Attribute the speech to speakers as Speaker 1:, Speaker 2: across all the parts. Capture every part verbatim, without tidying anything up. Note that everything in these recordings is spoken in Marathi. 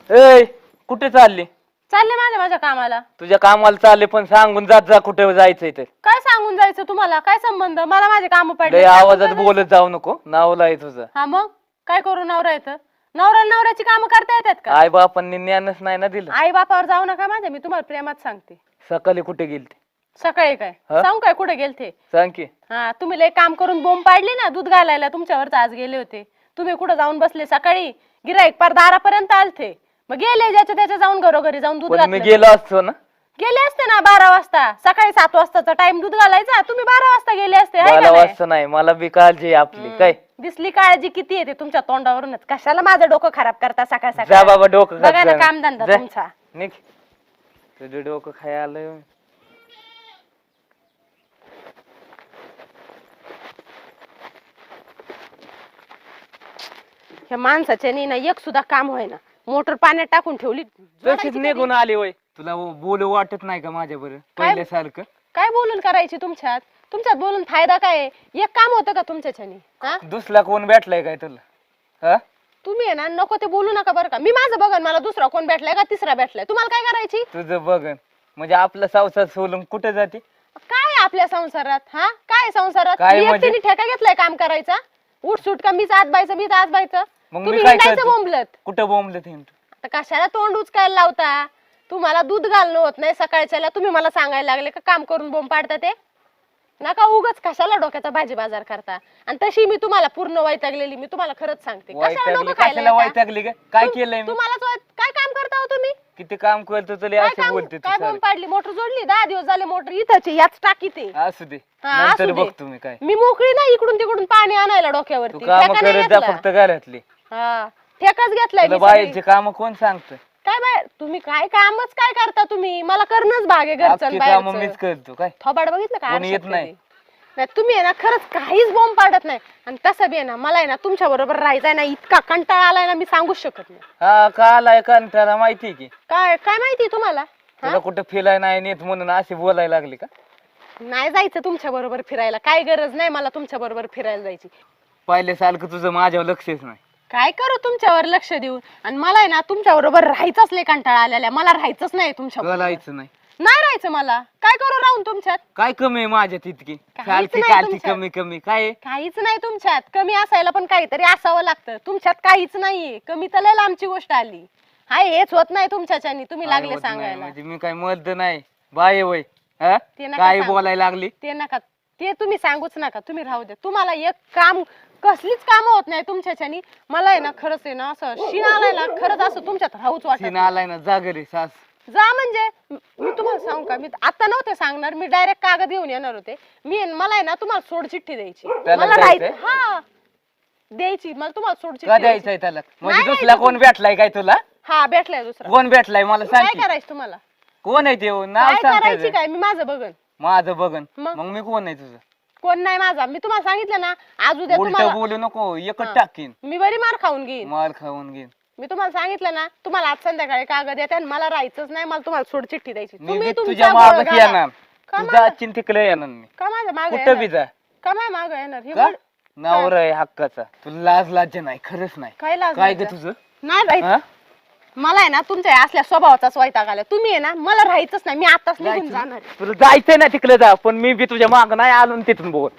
Speaker 1: ए कुठे चालली?
Speaker 2: चालले माझ्या माझ्या कामाला.
Speaker 1: तुझ्या कामाला चालले पण सांगून जात जा कुठे जायचंय ते.
Speaker 2: काय सांगून जायचं तुम्हाला? काय संबंध? मला माझे काम पडले.
Speaker 1: लय आवाजात बोलत जाऊ नको, नावला आहे तुझं.
Speaker 2: हा मग काय करू? नवरा येतं, नवरा नवऱ्याची कामं करता येतात का?
Speaker 1: आई बापांनी ज्ञानच नाही ना दिलं.
Speaker 2: आई बापावर जाऊ नका माझ्या, मी तुम्हाला प्रेमात सांगते.
Speaker 1: सकाळी कुठे गेलते?
Speaker 2: सकाळी काय सांगू काय कुठे गेलते?
Speaker 1: सांग की.
Speaker 2: हा तुम्ही लय काम करून बोंब पाडली ना, दूध घालायला तुमच्यावरच आज गेले होते. तुम्ही कुठे जाऊन बसले सकाळी? गिराईक पार दारापर्यंत आलते, मग गेले ज्याच्या त्याच्या जाऊन घरोघरी जाऊन दूध
Speaker 1: पण मी
Speaker 2: घातलं.
Speaker 1: गेलो असतो ना.
Speaker 2: गेले असते ना बारा वाजता. सकाळी सात वाजताचा टाइम दूध घालायचा, तुम्ही बारा वाजता गेले असते. हाय का
Speaker 1: मला
Speaker 2: नाही?
Speaker 1: वाजता नाही, मला बी काळजी आहे आपली. काय
Speaker 2: दिसली काळजी किती येते तुमच्या तोंडावरूनच. कशाला माझं डोकं खराब करता सकाळ
Speaker 1: जा
Speaker 2: सकाळ?
Speaker 1: बाबा डोकं खात
Speaker 2: बघा ना
Speaker 1: जा.
Speaker 2: काम धंदा
Speaker 1: जा.
Speaker 2: तुमचा.
Speaker 1: निघ. तुझं डोकं खाय आलंय.
Speaker 2: ह्या माणसाच्या नी ना एक सुद्धा काम होईना. मोटर पाण्यात टाकून ठेवली,
Speaker 1: तशीच
Speaker 2: जोडायची
Speaker 1: निघून आली वय. तुला बोलू वाटत नाही का माझ्या बरं पहिल्यासारखं?
Speaker 2: काय बोलून करायची तुमच्यात? तुमच्यात बोलून फायदा काय आहे? एक काम होतं का तुमच्याच्यानी? हा
Speaker 1: दुसरा कोण भेटलाय काय तुला? हा
Speaker 2: तुम्ही आहे ना नको ते बोलू नका बरं का. मी माझं बघन, मला दुसरा कोण भेटलाय का तिसरा भेटलाय. तुम्हाला काय करायची?
Speaker 1: तुझं बघन म्हणजे आपला संसार सोडून कुठे जाते?
Speaker 2: काय आहे आपल्या संसारात? हा काय संसारात?
Speaker 1: काय
Speaker 2: मी
Speaker 1: म्हणजे?
Speaker 2: एकटीने ठेका घेतलाय काम करायचा? उठ सुट का मीच आत बायचं मीच आत बायचं?
Speaker 1: मग मी
Speaker 2: तुम्ही
Speaker 1: काय
Speaker 2: हिंडायचं
Speaker 1: करतो?
Speaker 2: बोंबलत.
Speaker 1: कुठं बोंबलत हिंडतो?
Speaker 2: आता कशाला तोंड उचकायला लावता? तुम्हाला दूध घालणं होत नाही सकाळच्याला, तुम्ही मला सांगायला लागले का काम करून बोंब पाडता ते? नका उगाच कशाला डोक्याचा भाजी बाजार करता. आणि तशी मी तुम्हाला पूर्ण वैतागलेली, मी तुम्हाला खरंच सांगते. कशाला
Speaker 1: वैतागली
Speaker 2: डोकं खायला
Speaker 1: कशाला
Speaker 2: येता?
Speaker 1: वैतागली का? काय
Speaker 2: तुम-
Speaker 1: केलंय मी?
Speaker 2: तुम्हालाच वै- काय काम करता हो तुम्ही?
Speaker 1: किती काम करतो तुला
Speaker 2: काय
Speaker 1: असं
Speaker 2: काम-
Speaker 1: बोलते तू
Speaker 2: काय
Speaker 1: सारं.
Speaker 2: बोंब पाडली? मोटर जोडली, दहा दिवस झाले मोटर इथंच आहे, याच टाकीत आहे.
Speaker 1: असू दे
Speaker 2: हा, असू
Speaker 1: नंतर
Speaker 2: दे.
Speaker 1: बघ तुम्ही काय.
Speaker 2: मी मोकळी नाही इकडून तिकडून पाणी आणायला
Speaker 1: तू
Speaker 2: डोक्यावरती.
Speaker 1: काम
Speaker 2: ठेका नाही
Speaker 1: करत जा
Speaker 2: घेतला.
Speaker 1: फक्त घरातली.
Speaker 2: हा ठेकाच घेतलाय
Speaker 1: तुला
Speaker 2: मी सगळी.
Speaker 1: बाहेरचे काम कोण सांगत?
Speaker 2: काय बाय तुम्ही काय कामच काय करता तुम्ही? मला करणंच भाग आहे घरचं आणि
Speaker 1: काम
Speaker 2: बाहेरचं.
Speaker 1: मीच करतो काय.
Speaker 2: थोबाड बघितलं का?
Speaker 1: कोणी येत
Speaker 2: आरशात
Speaker 1: नाही.
Speaker 2: कधी? नाही तुम्ही आहे ना खरंच काहीच बोंब पाडत नाही. आणि तसं बी आहे ना मला आहे ना तुमच्या बरोबर राहायचंय ना, इतका कंटाळा आलाय ना मी सांगूच शकत नाही.
Speaker 1: हा का आलाय कंटाळा माहिती की.
Speaker 2: काय काय माहिती तुम्हाला?
Speaker 1: तुला कुठं फिरायला नाही नेत म्हणून अशी बोलायला लागली का?
Speaker 2: नाही जायचं तुमच्या बरोबर फिरायला, काय गरज नाही मला तुमच्या बरोबर फिरायला जायची.
Speaker 1: पहिल्यासारखं तुझं माझ्यावर लक्षच नाही.
Speaker 2: काय करू तुमच्यावर लक्ष देऊन? आणि मला आहे ना तुमच्या बरोबर राहायचंच लय कंटाळा आलेला आहे. मला राहायचंच नाही तुमच्या बरोबर.
Speaker 1: बोलायचं नाही.
Speaker 2: नाही राहायचं मला. काय करू राहून तुमच्यात?
Speaker 1: काय कमी आहे माझ्यात इतकी?
Speaker 2: काहीच
Speaker 1: चालती
Speaker 2: नाही
Speaker 1: कालती
Speaker 2: तुमच्यात.
Speaker 1: कमी कमी काय आहे?
Speaker 2: काहीच नाही तुमच्यात. कमी असायला पण काहीतरी असावं लागतं. तुमच्यात काहीच नाहीये. कमी तर लय लांबची गोष्ट आली. हाय हेच होत नाही तुमच्याच्यानी. तुम्ही
Speaker 1: काय
Speaker 2: लागले
Speaker 1: होत नाही
Speaker 2: सांगायला.
Speaker 1: म्हणजे मी काय मर्द नाही बाय वय. हा?
Speaker 2: ते नका
Speaker 1: काय
Speaker 2: सांगू.
Speaker 1: बोलायला लागली?
Speaker 2: ते नका, ते तुम्ही सांगूच नका. तुम्ही राहू द्या. तुम्हाला एक काम कसलीच काम होत नाही तुमच्याच्यानी. मला आहे ना खरंच आहे ना असं शिन आलाय ना, खरंच असं तुमच्यात राहूच वाटत
Speaker 1: सीन
Speaker 2: नाही.
Speaker 1: आलाय ना जा घरी सास.
Speaker 2: जा म्हणजे मी तुम्हाला सांगू का, मी आता नव्हते सांगणार, मी डायरेक्ट कागद घेऊन येणार होते. मी मला आहे ना तुम्हाला सोड चिठ्ठी द्यायची.
Speaker 1: त्याला
Speaker 2: मला
Speaker 1: द्यायचंय?
Speaker 2: राहायचं हा द्यायची मला तुम्हाला सोड
Speaker 1: का
Speaker 2: चिठ्ठी द्यायची.
Speaker 1: द्यायचंय त्याला? म्हणजे
Speaker 2: नाही
Speaker 1: दुसरा कोण भेटलाय काय तुला?
Speaker 2: हा भेटलाय दुसरा.
Speaker 1: कोण भेटलाय मला सांग
Speaker 2: काय
Speaker 1: की.
Speaker 2: करायचं तुम्हाला?
Speaker 1: कोण आहे ते हो? नाव
Speaker 2: काय
Speaker 1: सांग
Speaker 2: करायची
Speaker 1: त्याचं.
Speaker 2: काय? मी माझं बघन.
Speaker 1: माझं बघन
Speaker 2: मग?
Speaker 1: मग मी कोण आहे तुझं?
Speaker 2: कोण नाही माझा. मी तुम्हाला सांगितलं ना आज उद्या
Speaker 1: उलट
Speaker 2: तुम्हाला
Speaker 1: बोलू नको एकच
Speaker 2: हा.
Speaker 1: टाकीन.
Speaker 2: मी बरी मार खाऊन घेईन.
Speaker 1: मार खाऊन घेईन.
Speaker 2: मी तुम्हाला सांगितलं ना तुम्हाला आज संध्याकाळी कागद येते आणि मला राहायचंच नाही. मला तुम्हाला सोड चिठ्ठी द्यायची.
Speaker 1: मी
Speaker 2: तुम्ही
Speaker 1: बी
Speaker 2: तुमचा
Speaker 1: तुझ्या
Speaker 2: गोळ
Speaker 1: मागच
Speaker 2: घाला.
Speaker 1: येणार.
Speaker 2: का
Speaker 1: तुझा
Speaker 2: मागं?
Speaker 1: चिंतिकले येणार मी.
Speaker 2: का माझ्या माग
Speaker 1: कुठं बी जा.
Speaker 2: का माझ्या माग येणार? हे
Speaker 1: का?
Speaker 2: गोड-
Speaker 1: नवरा आहे हक्काचा. तुला लाज लाज नाही खरंच नाही.
Speaker 2: काय लाज
Speaker 1: काय ग
Speaker 2: लाजा?
Speaker 1: तुझं?
Speaker 2: नाही राहायचं.
Speaker 1: हा?
Speaker 2: मला आहे ना तुमच्या या असल्या स्वभावाचाच वैताग आला. तुम्ही आहे ना मला राहायचंच नाही. मी आताच निघून
Speaker 1: जायचं?
Speaker 2: जाणार आहे.
Speaker 1: तुला जायचंय ना तिकडे जा पण मी बी तुझ्या माग नाही आलो ना तिथून बोल.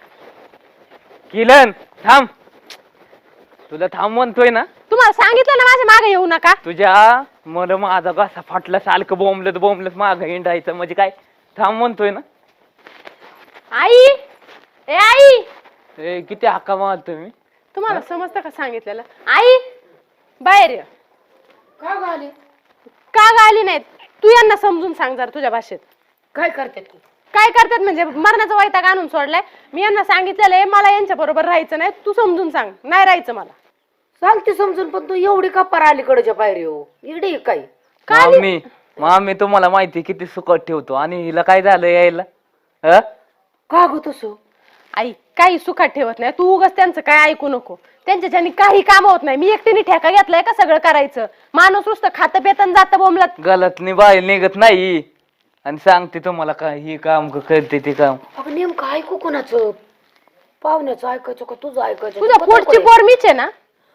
Speaker 1: किलन थांब. तुला थांब म्हणतोय ना.
Speaker 2: तुम्हाला सांगितलं ना माझ्या मागे येऊ नका.
Speaker 1: तुझ्या मला माझा घसा फाटला सारखं बोंबलत बोंबलत माग हिंडायचं म्हणजे काय? थांब म्हणतोय ना.
Speaker 2: आई ए आई
Speaker 1: ए, किती हक्का मारतोय मी.
Speaker 2: तुम्हाला समजतं का सांगितलेलं? आई बाहेर ये.
Speaker 3: का गाले?
Speaker 2: का गाली नाहीत? तू यांना समजून सांग जरा तुझ्या भाषेत.
Speaker 3: काय करते तू?
Speaker 2: काय करतात म्हणजे मरणाचा वैताग आणून सोडलाय. मी यांना सांगितलेलं आहे मला यांच्या बरोबर राहायचं नाही. तू समजून सांग. नाही राहायचं मला.
Speaker 3: सांगते समजून पण तू एवढी का पार अलीकडच्या पायरी हो इकडे ये काय?
Speaker 1: मामी मामी तुम्हाला माहिती किती सुकट ठेवतो आणि हिला काय झालं यायला? हा?
Speaker 3: का ग तसं?
Speaker 2: आई काही सुखात ठेवत नाही. तू उगाच त्यांचं काय ऐकू नको. त्यांच्याच्यानी काही काम होत नाही. मी एकटीने ठेका घेतलाय का सगळं करायचं? माणूस नुसतं खातं पेतन जातं बोंबलत.
Speaker 1: गलतनी बाहेर निघत नाही आणि सांगते तुम्हाला काय ही काम करते ते काम.
Speaker 3: अगं नेमकं ऐकू कोणाचं? पाहुण्याचं ऐकायचं का तुझं ऐकायचं?
Speaker 2: तुझ्या पोटची पोर मीच आहे ना.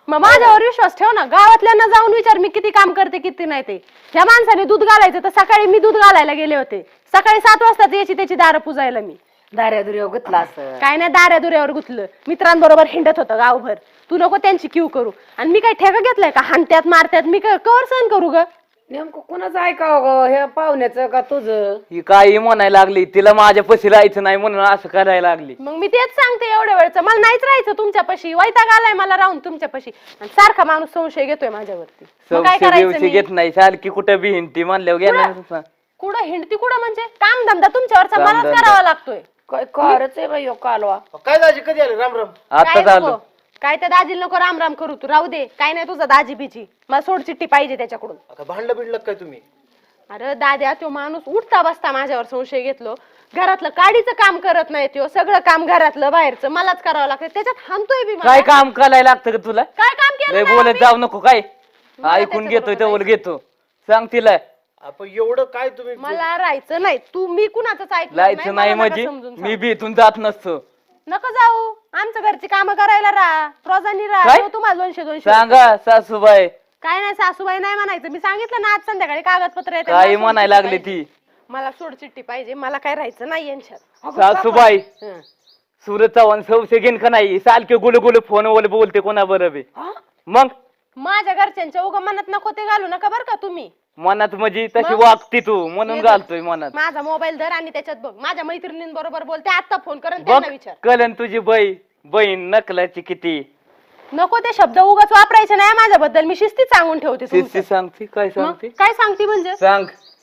Speaker 2: मग माझ्यावर विश्वास ठेव ना. गावातल्यांना जाऊन विचार मी किती काम करते किती नाही ते. ह्या माणसाने दूध घालायचं तर सकाळी मी दूध घालायला गेले होते. सकाळी सात वाजता याची त्याची दारं पुजायला मी.
Speaker 3: दाऱ्या दुर्या गुतला असं.
Speaker 2: काय नाही दाऱ्या दुऱ्यावर गुतलं. मित्रांबरोबर हिंडत होतं गावभर. तू नको त्यांची क्यू करू. आणि मी काय ठेका घेतलाय का हाणत्यात मारत्यात मी काय कवर सहन करू ग.
Speaker 3: नेमकं कोणाचं ऐकावं ग, हे पाहुण्याचं का तुझं?
Speaker 1: ही काही म्हणायला लागली तिला माझ्या पशी राहायचं नाही म्हणून असं करायला लागली.
Speaker 2: मग मी तेच सांगते एवढ्या वेळचं मला नाहीच राहायचं तुमच्यापाशी. वैताग आलाय मला राहून तुमच्यापाशी. आणि सारखा माणूस संशय घेतोय माझ्यावरती. मग काय
Speaker 1: संशय
Speaker 2: करायचं
Speaker 1: बिवशय
Speaker 2: मी?
Speaker 1: घेत नाही सारखी कुठं बी हिंडती म्हणल्यावर गेला
Speaker 2: कुठं हिंडती कुठं म्हणजे काम धंदा तुमच्यावरचा मलाच
Speaker 1: कामधंदा.
Speaker 2: करावा लागतोय.
Speaker 3: काय कारच आहे बाई ह्यो कालवा.
Speaker 4: काय दाजी कधी आले? राम राम.
Speaker 1: आता
Speaker 2: काय
Speaker 1: चालू
Speaker 2: नको काय त्या दाजीला नको राम राम करू. तू राहू दे. काय नाही तुझा दाजी बिजी. मला सोड चिठ्ठी पाहिजे त्याच्याकडून.
Speaker 4: आता भांडलं बिडलं काय तुम्ही?
Speaker 2: अरे दाद्या तो माणूस उठता बसता माझ्यावर संशय घेतलो. घरातलं काडीचं काम करत नाही तो. सगळं काम घरातलं बाहेरचं मलाच करावं लागतं. त्याच्यात हाणतोय बी मला.
Speaker 1: काय काम करायला लागतं का तुला?
Speaker 2: काय काम केलं
Speaker 1: लय
Speaker 2: नाही
Speaker 1: बोलत
Speaker 2: आम्ही?
Speaker 1: जाऊ नको काय
Speaker 2: मला
Speaker 1: ऐकून घेतोय
Speaker 2: त्याच्याबरोबर
Speaker 1: तर घेतो. सांग तिला
Speaker 4: आपण एवढं काय तुम्ही
Speaker 2: मला राहायचं नाही. तू मी कुणाचंच ऐकलं
Speaker 1: लायचं नाही
Speaker 2: मला
Speaker 1: म्हणजे
Speaker 2: नका समजून
Speaker 1: मी
Speaker 2: सांग.
Speaker 1: बी इथून जात नसतो.
Speaker 2: नको जाऊ. आमच्या घरची कामं करायला राहा. रोजानी राहा.
Speaker 1: काय?
Speaker 2: देऊ तुम्हाला दोनशे दोनशे
Speaker 1: सांगा सासूबाई
Speaker 2: काय नाही सासूबाई नाही म्हणायचं. मी सांगितलं ना आज संध्याकाळी कागदपत्र येते.
Speaker 1: काही
Speaker 2: मला सोड
Speaker 1: म्हणायला
Speaker 2: चिठ्ठी
Speaker 1: लागली
Speaker 2: पाहिजे.
Speaker 1: ती
Speaker 2: मला सोड चिठ्ठी पाहिजे. मला काय राहायचं नाही यांच्यात.
Speaker 1: सासूबाई
Speaker 2: हं.
Speaker 1: सुरत चव्हाण सौसे घेईन का नाही सारखे गुलू गुलू फोनवर बोलते कोणा बरोबर मग
Speaker 2: माझ्या घरच्यांच्या उगा मनात नको ते घालू नका बरं का तुम्ही.
Speaker 1: मनात म्हणजे तशी
Speaker 2: मग?
Speaker 1: वागती तू म्हणून
Speaker 2: ये
Speaker 1: घालतोय मनात.
Speaker 2: माझा मोबाईल धर आणि त्याच्यात बघ. माझ्या मैत्रिणींबरोबर बोलते. आता फोन कर आणि
Speaker 1: बघ
Speaker 2: त्यांना विचार.
Speaker 1: कलन तुझी बाई बहीण नकलाची किती
Speaker 2: नको ते शब्द उगाच वापरायचे नाही माझ्याबद्दल. मी शिस्तीत सांगून ठेवते
Speaker 1: शिस्ती
Speaker 2: तुमचं.
Speaker 1: सांगते काय
Speaker 2: मग
Speaker 1: सांगते
Speaker 2: काय सांगते म्हणजे
Speaker 1: सांग.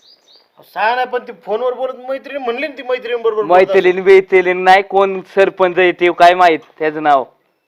Speaker 4: सांग नाही पण ती फोनवर बोलत मैत्रीण म्हणली ना ती मैत्रीण बरोबर
Speaker 1: मैत्रीण बेतलीन नाही कोण सरपंच आहे ते काय माहित त्याचं नाव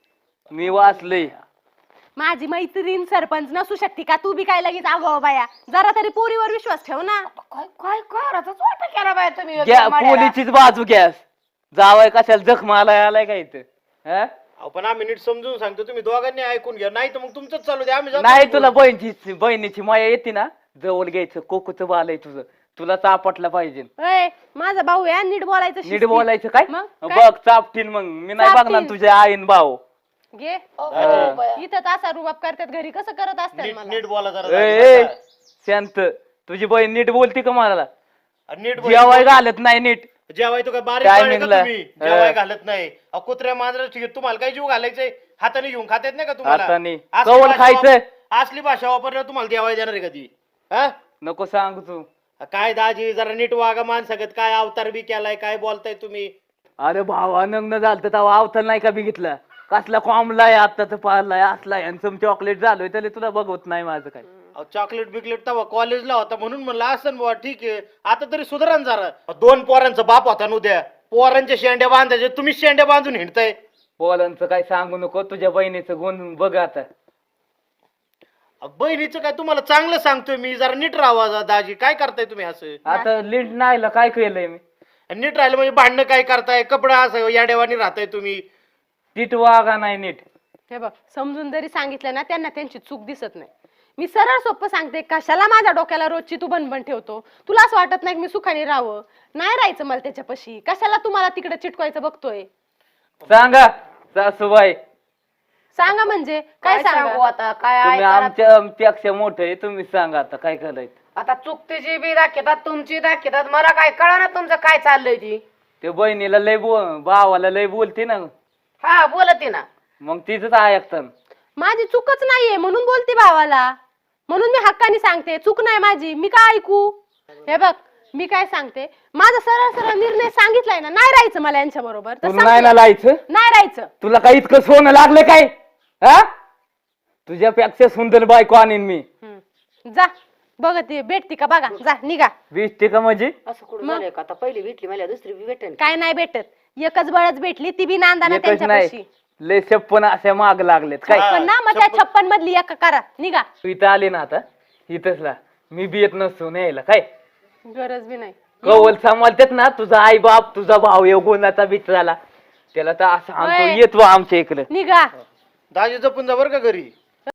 Speaker 1: मी वाचलंय.
Speaker 2: माझी मैत्रीण सरपंच नसू शकते का? तू बी काय लगेच आगो बाया. जरा तरी पोरीवर विश्वास ठेव ना.
Speaker 3: काय काय कारच वाटा केला बाय तुम्ही
Speaker 1: घ्या
Speaker 3: माड्याला.
Speaker 1: पोलीचीच बाजू घ्या. जावाय कशाला जखम आलाय आलाय काय इथं हा?
Speaker 4: आपण आम्ही नीट समजून सांगतो तुम्ही दोघांनी ऐकून घ्या. नाही तर मग तुमचंच चालू द्या. आम्ही जातो.
Speaker 1: नाही तुला बहिणीची बहिणीची माया येते ना जवळ घ्यायचं कोकूचं बाल आहे तुझं तुला चापटला पाहिजे.
Speaker 2: ए, माझा भाऊ आहे नीट बोलायचं
Speaker 1: नीट
Speaker 2: शिस्तीत.
Speaker 1: बोलायचं काय
Speaker 2: मग
Speaker 1: बघ चापटीन मग मी नाही
Speaker 2: चापटीन.
Speaker 1: बघणार तुझ्या आईन भाऊ.
Speaker 2: घे
Speaker 3: अहो,
Speaker 1: हा.
Speaker 3: बाया.
Speaker 2: इथं तासा रुबाब करतात घरी कसं करत असतात
Speaker 4: नीट
Speaker 2: मला.
Speaker 4: नीट बोला जरा
Speaker 1: ए,
Speaker 4: दाजी,
Speaker 1: ए,
Speaker 4: बरं का?
Speaker 1: शांत तुझी बहीण नीट बोलती का मला
Speaker 4: आणि नीट
Speaker 1: जेवाय घालत नाही नीट
Speaker 4: जेवाय तो काय बारीक
Speaker 1: काय
Speaker 4: पाणी का
Speaker 1: निघलं?
Speaker 4: तुम्ही जेवाय घालत नाही. अहो, कुत्र्या मांजरा ठीक आहे तुम्हाला काय जीव घालायचंय हाताने घेऊन खात येत नाही का तुम्हाला?
Speaker 1: हाताने.
Speaker 4: असली
Speaker 1: कवल
Speaker 4: भाषा
Speaker 1: खायचं?
Speaker 4: वाप- असली भाषा वापरल्यावर तुम्हाला जेवाय देणार आहे कधी? हा
Speaker 1: नको सांग तू.
Speaker 4: काय दाजी जरा नीट वागा माणसागत. काय अवतार बी केलाय काय बोलताय तुम्ही?
Speaker 1: अरे भावा नग्न झालं तेव्हा अवतार नाही का बघितलं कसला कॉमलाय आता तर पारलाय असलाय आणि चॉकलेट झालोय तरी तुला बघवत नाही माझं काय.
Speaker 4: अहो, चॉकलेट बिकलेट तेव्हा कॉलेजला होता म्हणून म्हणलं असं बुवा ठीक आहे. आता तरी सुधारण जरा. अहो, दोन पोरांचा बाप होता उद्या पोरांच्या शेंड्या बांधायचे तुम्ही शेंड्या बांधून हिंडताय.
Speaker 1: पोरांचं काय सांगू नको तुझ्या बहिणीचं गुण बघ आता.
Speaker 4: अहो, बहिणीचं काय तुम्हाला चांगलं सांगतोय मी. जरा नीट राहा जा- दाजी. काय करताय तुम्ही असं?
Speaker 1: आता लिंट नाही काय केलंय मी
Speaker 4: आणि नीट राहिलं म्हणजे भांडणं काय करताय? कपडा असं या देवानी राहताय तुम्ही.
Speaker 1: नीट वागा नाही नीट.
Speaker 2: हे बघ समजून जरी सांगितलं ना त्यांना त्यांची चूक दिसत नाही. मी सरळ सोपं सांगते. कशाला माझ्या डोक्याला रोजची तू बनबन ठेवतो? तुला असं वाटत नाही की मी सुखाने राहावं? नाही राहायचं मला त्याच्यापाशी. कशाला तुम्हाला तिकडे चिटकवायचं बघतोय?
Speaker 1: सांगा सासूबाई
Speaker 2: सांगा म्हणजे काय
Speaker 3: काय सांगू
Speaker 2: सांगा?
Speaker 3: आता काय
Speaker 1: तुम्ही
Speaker 3: ऐकायला-
Speaker 1: आमच्या पेक्षा मोठे तुम्ही सांगा आता काय करायचं.
Speaker 3: आता चुकतीची बी दाखवतात तुमची दाखवतात मला काय कळा ना तुमचं काय चाललंय ती.
Speaker 1: ते बहिणीला लय बोल भावाला लय बोलते ना
Speaker 3: हा बोलते ना.
Speaker 1: मग तिचंच ऐकतात.
Speaker 2: माझी चूकच नाहीये म्हणून बोलते भावाला. म्हणून मी हक्काने सांगते चूक नाही माझी. मी काय ऐकू? हे बघ मी काय सांगते माझा सरळ सरळ निर्णय सांगितलाय ना. नाही राहायचं मला यांच्या बरोबर तर
Speaker 1: तुला नाही ना
Speaker 2: संपलं.
Speaker 1: लायचं.
Speaker 2: नाही राहायचं.
Speaker 1: तुला काही इतकं सोनं लागलं काय हा? तुझ्यापेक्षा सुंदर बायको आणीन मी.
Speaker 2: हम्म. जा बघ ती भेटती का बघा. जा निघा.
Speaker 1: वीस टिका म्हणजे
Speaker 3: असं कुठं झालंय का? आता पहिली भेटली मला दुसरी बी भेटेन.
Speaker 2: काय नाही भेटत. एकच बळच भेटली ती बी नांदाना
Speaker 1: एकच
Speaker 2: त्यांच्यापाशी.
Speaker 1: नाही लय छप्पन अशा माग लागलेत काय.
Speaker 4: हा.
Speaker 2: पण ना मग त्या छप्पन मधली एक करा. निघा.
Speaker 1: तू इथं आली ना आता इथंच ला मी बी येत नसतो न्यायला काय.
Speaker 2: गरज बी नाही.
Speaker 1: कवल सांभाळतात ना तुझा आई बाप तुझा भाऊ येऊ गुणाचा बिचाराला त्याला तर असं आणतो
Speaker 2: होय.
Speaker 1: येतो आमच्या इकडे.
Speaker 2: निघा.
Speaker 4: दाजी जपून जा बरं का घरी.